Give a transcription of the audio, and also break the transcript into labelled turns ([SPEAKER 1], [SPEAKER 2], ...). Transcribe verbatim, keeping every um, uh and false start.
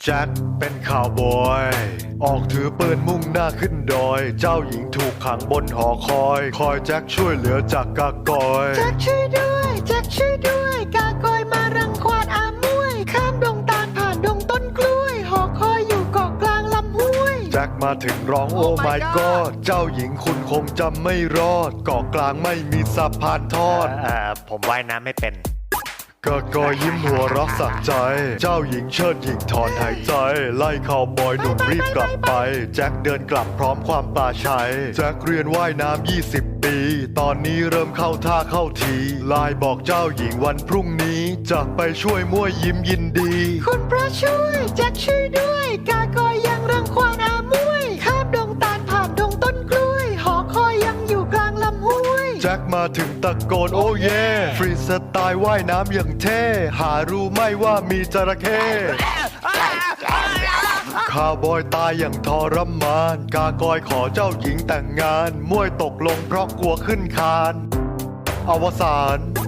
[SPEAKER 1] แจ็คเป็นข่าวบอยออกถือปืนมุ่งหน้าขึ้นดอยเจ้าหญิงถูกขังบนหอคอยคอยแจ็คช่วยเหลือจากกากอย
[SPEAKER 2] แจ็คช่วยด้วยแจ็คช่วยด้วยกากอยมารังควานอามวยข้ามดงตาลผ่านดงต้นกล้วยหอคอยอยู่เกาะกลางลำห้วย
[SPEAKER 1] แจ็คมาถึงร้องโอ้ my god เจ้าหญิงคุณคงจำไม่รอดเกาะกลางไม่มีสะพานทอด
[SPEAKER 3] เอ่อผมว่ายน้ำไม่เป็น
[SPEAKER 1] กากอยยิ้มหัวเรักสักใจเจ้าหญิงเชิดหญิงถอนหายใจไล่ข่าวบอยหนุ่มรีบกลับไปแจ็คเดินกลับพร้อมความปลาชัยแจ็คเรียนว่ายน้ำยี่สิบปีตอนนี้เริ่มเข้าท่าเข้าทีไลน์บอกเจ้าหญิงวันพรุ่งนี้จะไปช่วยมั่วยิ้มยินดี
[SPEAKER 2] คุณพระช่วยแจ็คช่วยด้วยกากอยยังรังควานอามวยข้ามดงตาลผ่านดงต้นกล้วยหอคอยยังอยู่กลางลำห้วย
[SPEAKER 1] แจ็คมาถึงตะโกนโอ้เย่ฟรีสไตล์ว่ายน้ำอย่างเท่หารู้ไหม่ว่ามีจระเข้ข้าวบอยตายอย่างทรมานกากอยขอเจ้าหญิงแต่งงานมวยตกลงเพราะกลัวขึ้นคานอวสาน